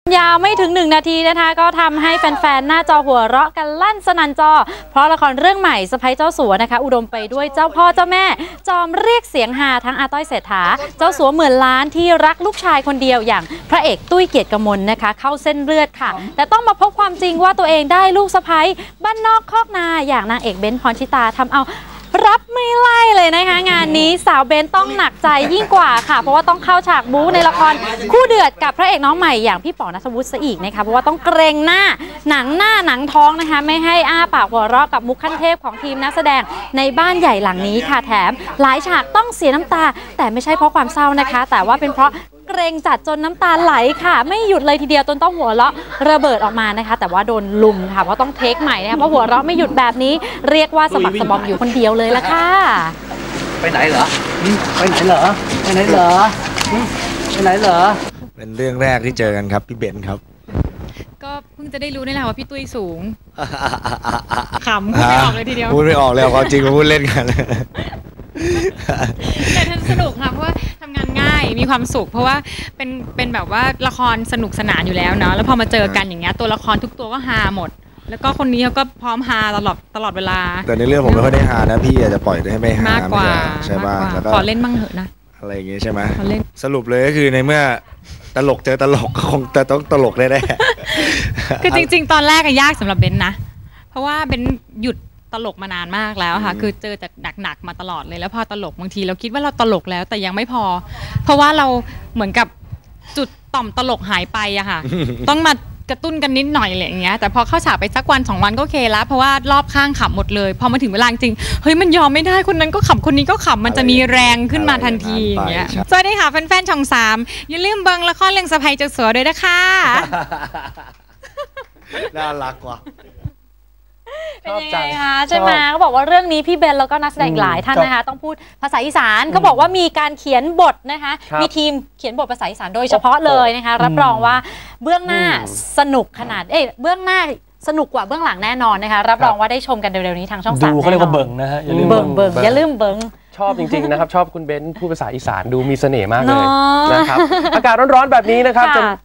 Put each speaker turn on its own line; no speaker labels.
ยาวไม่ถึง1 นาทีนะคะก็ทำให้แฟนๆหน้าจอหัวเราะกันลั่นสนั่นจอเพราะละครเรื่องใหม่สะใภ้เจ้าสัวนะคะอุดมไปด้วยเจ้าพ่อเจ้าแม่จอมเรียกเสียงฮาทั้งอาต้อยเศรษฐาเจ้าสัวหมื่นล้านที่รักลูกชายคนเดียวอย่างพระเอกตุ้ยเกียรติกมลนะคะเข้าเส้นเลือดค่ะแต่ต้องมาพบความจริงว่าตัวเองได้ลูกสะใภ้บ้านนอกคอกนาอย่างนางเอกเบ้นพรชิตาทำเอารับไม่ไล่เลยนะคะงานนี้สาวเบนต้องหนักใจยิ่งกว่าค่ะเพราะว่าต้องเข้าฉากบู๊ในละครคู่เดือดกับพระเอกน้องใหม่อย่างพี่ป๋อณัฐวุฒิซะอีกนะคะเพราะว่าต้องเกรงหน้าหนังท้องนะคะไม่ให้อ้าปากหัวเราะกับมุกขั้นเทพของทีมนักแสดงในบ้านใหญ่หลังนี้ค่ะแถมหลายฉากต้องเสียน้ำตาแต่ไม่ใช่เพราะความเศร้านะคะแต่ว่าเป็นเพราะเกรงจัดจนน้ำตาไหลค่ะไม่หยุดเลยทีเดียวจนต้องหัวเราะระเบิดออกมานะคะแต่ว่าโดนลุมค่ะเพราะต้องเทคใหม่นะคะเพราะหัวเราะไม่หยุดแบบนี้เรียกว่าสะบักสะบอมอยู่คนเดียวเลยละค่ะ
ไปไหนเหรอไปไหนเหรอไปไหนเหรอไปไหนเหรอ
เป็นเรื่องแรกที่เจอกันครับพี่เบนครับ
ก็เพิ่งจะได้รู้นี่แหละว่าพี่ตุ้ยสูงขำพูดไม่ออกเลยทีเดียว
พูดไม่ออกเลยความจริงมาพูดเล่นกัน
แต่ท่านสนุกค่ะเพราะว่าทำงานง่ายมีความสุขเพราะว่าเป็นแบบว่าละครสนุกสนานอยู่แล้วเนาะแล้วพอมาเจอกันอย่างเงี้ยตัวละครทุกตัวก็ฮาหมดแล้วก็คนนี้เขาก็พร้อมฮาตลอดเวลา
แต่ในเรื่องผมไม่ค่อยได้ฮานะพี่อาจจะปล่อยให้ไม่ฮามาก
กว่า
ใช่ป่ะแล้วก็
ขอเล่นบ้างเถอะนะ
อะไรอย่างงี้ใช่ไหมสรุปเลยก็คือในเมื่อตลกเจอตลกคงจะต้องตลกแน่ๆ
คือจริงๆตอนแรกยากสำหรับเบนนะเพราะว่าเบนหยุดตลกมานานมากแล้วค่ะคือเจอแต่หนักๆมาตลอดเลยแล้วพอตลกบางทีเราคิดว่าเราตลกแล้วแต่ยังไม่พอเพราะว่าเราเหมือนกับจุดต่อมตลกหายไปอะค่ะต้องมากระตุ้นกันนิดหน่อยอะไรอย่างเงี้ยแต่พอเข้าฉากไปสักวัน2 วันก็โอเคแล้วเพราะว่ารอบข้างขำหมดเลยพอมาถึงเวลาจริงเฮ้ยมันยอมไม่ได้คนนั้นก็ขำคนนี้ก็ขำมันจะมีแรงขึ้นมาทันทีอย่างเงี้ยสวัสดีค่ะแฟนๆช่อง3อย่าลืมเบิ่งละครเรื่องสะใภ้เจ้าสัวด้วยนะคะ
น่ารักว่ะ
เป็นยังไงคะใช่ไหมเขาบอกว่าเรื่องนี้พี่เบนแล้วก็นักแสดงหลายท่านนะคะต้องพูดภาษาอีสานเขาบอกว่ามีการเขียนบทนะคะมีทีมเขียนบทภาษาอีสานโดยเฉพาะเลยนะคะรับรองว่าเบื้องหน้าสนุกขนาดเบื้องหน้าสนุกกว่าเบื้องหลังแน่นอนนะคะรับรองว่าได้ชมกันเร็วๆนี้ทางช่อง3
ดูเขาเรียกว่าเบิ่งนะฮะอย่าลืม
เบิ่งอย่าลืมเบิ่ง
ชอบจริงๆนะครับชอบคุณเบนพูดภาษาอีสานดูมีเสน่ห์มากเลยนะครับอากาศร้อนๆแบบนี้นะครับ